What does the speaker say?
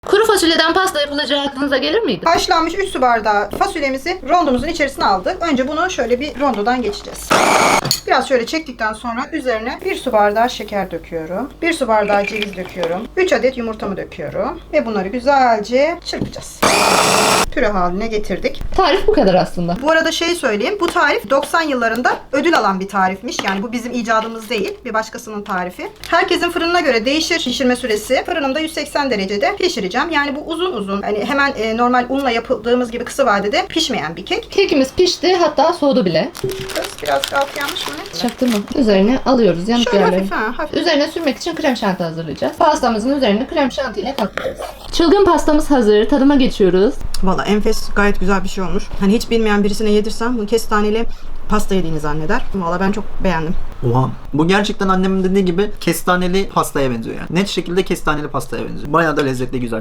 Kuru fasulyeden pasta yapılacağı aklınıza gelir miydi? Haşlanmış 3 su bardağı fasulyemizi rondomuzun içerisine aldık. Önce bunu şöyle bir rondodan geçeceğiz. Biraz şöyle çektikten sonra üzerine 1 su bardağı şeker döküyorum. 1 su bardağı ceviz döküyorum. 3 adet yumurtamı döküyorum. Ve bunları güzelce çırpacağız. Püre haline getirdik. Tarif bu kadar aslında. Bu arada şey söyleyeyim. Bu tarif 90 yıllarında ödül alan bir tarifmiş. Yani bu bizim icadımız değil. Bir başkasının tarifi. Herkesin fırınına göre değişir pişirme süresi. Fırınımda 180 derecede pişireceğim. Yani bu uzun uzun. Hani hemen normal unla yapıldığımız gibi kısa vadede pişmeyen bir kek. Kekimiz pişti, hatta soğudu bile. Kız biraz alt yanmış mı? Çaktırma. Üzerine alıyoruz yanık Şöyle yerlerini. hafif hafif. Üzerine sürmek için krem şanti hazırlayacağız. Pastamızın üzerine krem şanti ile kaplayacağız. Çılgın pastamız hazır. Tadıma geçiyoruz. Valla enfes, gayet güzel bir şey olmuş. Hani hiç bilmeyen birisine yedirsem bunu kestaneli pasta yediğini zanneder. Valla ben çok beğendim. Oha. Bu gerçekten annemin dediği gibi kestaneli pastaya benziyor yani. Net şekilde kestaneli pastaya benziyor. Bayağı da lezzetli, güzel.